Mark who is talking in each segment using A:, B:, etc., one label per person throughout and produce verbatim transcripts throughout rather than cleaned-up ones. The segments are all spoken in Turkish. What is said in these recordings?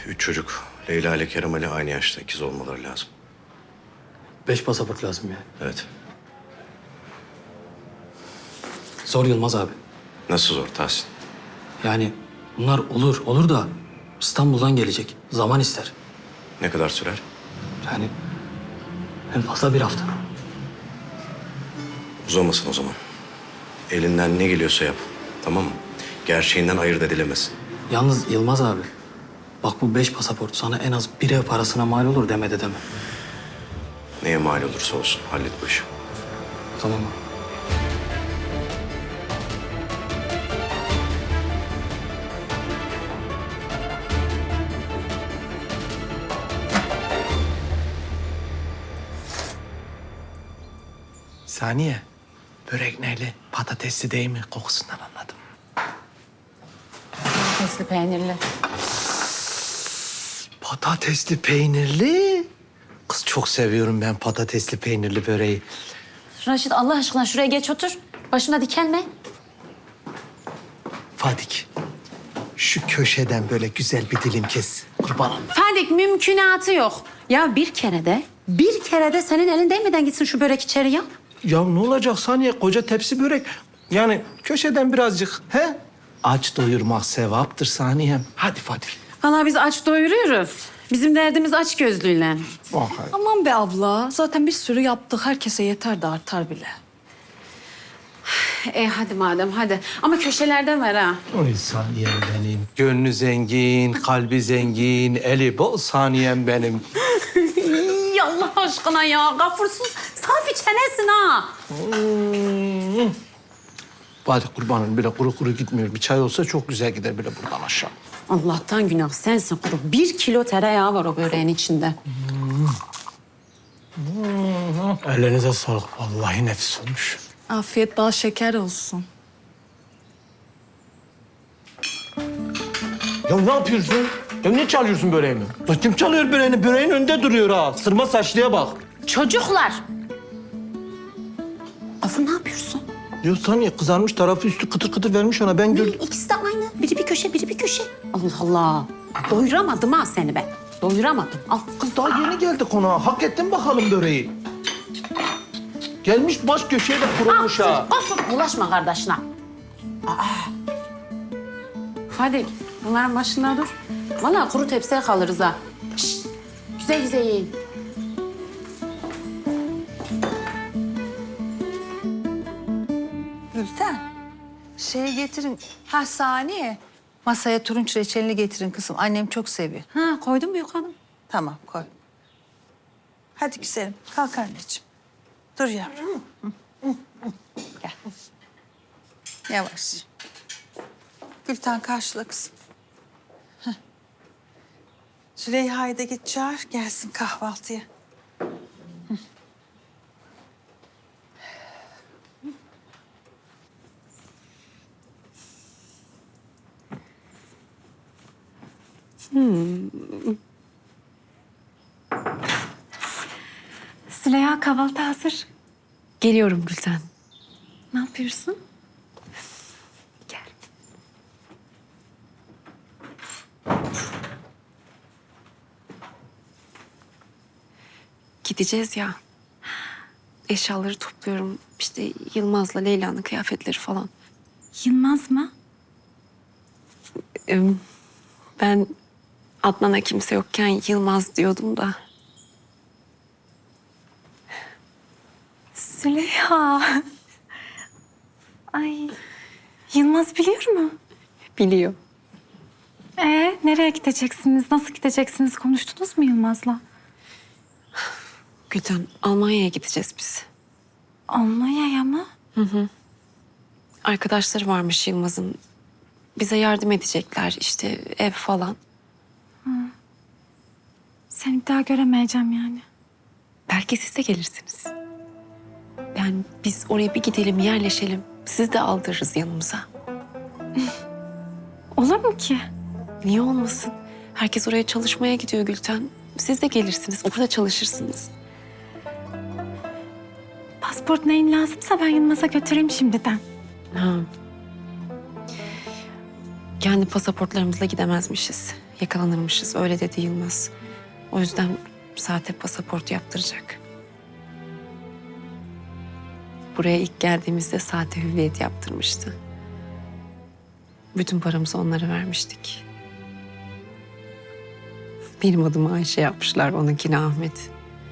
A: üç çocuk. Leyla ile Kerem Ali aynı yaşta. İkiz olmaları lazım.
B: Beş pasaport lazım yani.
A: Evet.
B: Zor Yılmaz abi.
A: Nasıl zor Tahsin?
B: Yani bunlar olur, olur da İstanbul'dan gelecek. Zaman ister.
A: Ne kadar sürer?
B: Yani en fazla bir hafta.
A: Uzamasın o zaman. Elinden ne geliyorsa yap. Tamam mı? Gerçeğinden ayırt edilemez.
B: Yalnız Yılmaz abi, bak bu beş pasaport sana en az bir ev parasına mal olur deme dedeme.
A: Neye mal olursa olsun hallet bu işi.
B: Tamam mı?
C: Saniye, börek neyle? Patatesli değil mi? Kokusundan anladım.
D: Patatesli peynirli.
C: Patatesli peynirli. Kız çok seviyorum ben patatesli peynirli böreği.
D: Raşit Allah aşkına şuraya geç otur. Başına dikenme.
C: Fadik, şu köşeden böyle güzel bir dilim kes. Kurbanım.
D: Fadik mümkünatı yok. Ya bir kere de, bir kere de senin elin değmeden gitsin şu börek içeri ya.
C: Ya ne olacak Saniye? Koca tepsi börek. Yani köşeden birazcık, he? Aç doyurmak sevaptır Saniyem. Hadi Fadik.
D: Vallahi biz aç doyuruyoruz. Bizim derdimiz aç gözlüyle.
C: Vay.
E: Aman be abla. Zaten bir sürü yaptık. Herkese yeter de artar bile.
D: E hadi madem hadi. Ama köşelerden ver ha.
C: Oy Saniyem benim. Gönlü zengin, kalbi zengin, eli bol Saniyem benim.
D: İyi Allah aşkına ya. Gafursuz safi çenesin ha.
C: Hmm. Hadi kurbanım bile kuru kuru gitmiyor. Bir çay olsa çok güzel gider bile buradan aşağı.
D: Allah'tan günah sensin kuru. Bir kilo tereyağı var o böreğin içinde.
C: Ellerinize sağlık. Vallahi nefis olmuş.
E: Afiyet bal şeker olsun.
C: Ya ne yapıyorsun? Ya niye çalıyorsun böreğimi? Ya kim çalıyor böreğini? Böreğin önünde duruyor ha. Sırma saçlıya bak.
D: Çocuklar. Gafur ne yapıyorsun?
C: Ya Saniye kızarmış tarafı üstü kıtır kıtır vermiş ona. Ben gördüm.
D: İkisi de aynı. Biri bir köşe, biri bir köşe. Allah Allah. Doyuramadım ha seni ben. Doyuramadım. Al.
C: Kız daha yeni geldi konağa. Hak ettin bakalım böreği. Gelmiş baş köşeye de kurulmuş ha.
D: Gafur bulaşma kardeşine. Aa. Hadi bunların başında dur. Vallahi kuru tepsiye kalırız ha. Şişt. Güzel güzel yiyin.
E: Gülten. Şey getirin. Ha Saniye. Masaya turunç reçelini getirin kızım. Annem çok seviyor.
D: Ha koydun mu yukarı?
E: Tamam koy. Hadi güzelim. Kalk anneciğim. Dur yavrum. Gel. Yavaş. Gülten karşıla kızım. Heh. Züleyha'yı da git çağır. Gelsin kahvaltıya.
F: Züleyha kahvaltı hazır. Geliyorum Gülten. Ne yapıyorsun? Gel. Gideceğiz ya. Eşyaları topluyorum. İşte Yılmaz'la Leyla'nın kıyafetleri falan.
G: Yılmaz mı?
F: Ee, Ben Adnan'a kimse yokken Yılmaz diyordum da.
G: Züleyha. Ay. Yılmaz biliyor mu?
F: Biliyor.
G: Ee, nereye gideceksiniz? Nasıl gideceksiniz? Konuştunuz mu Yılmaz'la?
F: Gülten, Almanya'ya gideceğiz biz.
G: Almanya'ya mı?
F: Arkadaşları varmış Yılmaz'ın. Bize yardım edecekler işte ev falan.
G: Seni bir daha göremeyeceğim yani.
F: Belki siz de gelirsiniz. Yani biz oraya bir gidelim, yerleşelim. Siz de aldırırız yanımıza.
G: Olur mu ki?
F: Niye olmasın? Herkes oraya çalışmaya gidiyor Gülten. Siz de gelirsiniz, orada çalışırsınız.
G: Pasport neyin lazımsa ben Yılmaz'a götüreyim şimdiden.
F: Ha. Kendi pasaportlarımızla gidemezmişiz. Yakalanırmışız öyle dedi Yılmaz. O yüzden sahte pasaport yaptıracak. Buraya ilk geldiğimizde sahte hüviyet yaptırmıştı. Bütün paramızı onlara vermiştik. Benim adıma Ayşe yapmışlar, onunkini Ahmet.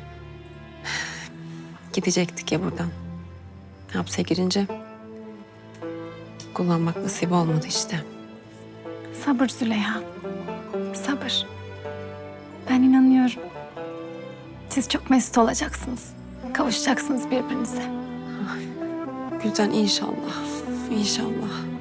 F: Gidecektik ya buradan. Hapse girince kullanmak nasip olmadı işte.
G: Sabır Züleyha. Sabır. Ben inanıyorum. Siz çok mesut olacaksınız. Kavuşacaksınız birbirinize.
F: Gülden inşallah, inşallah.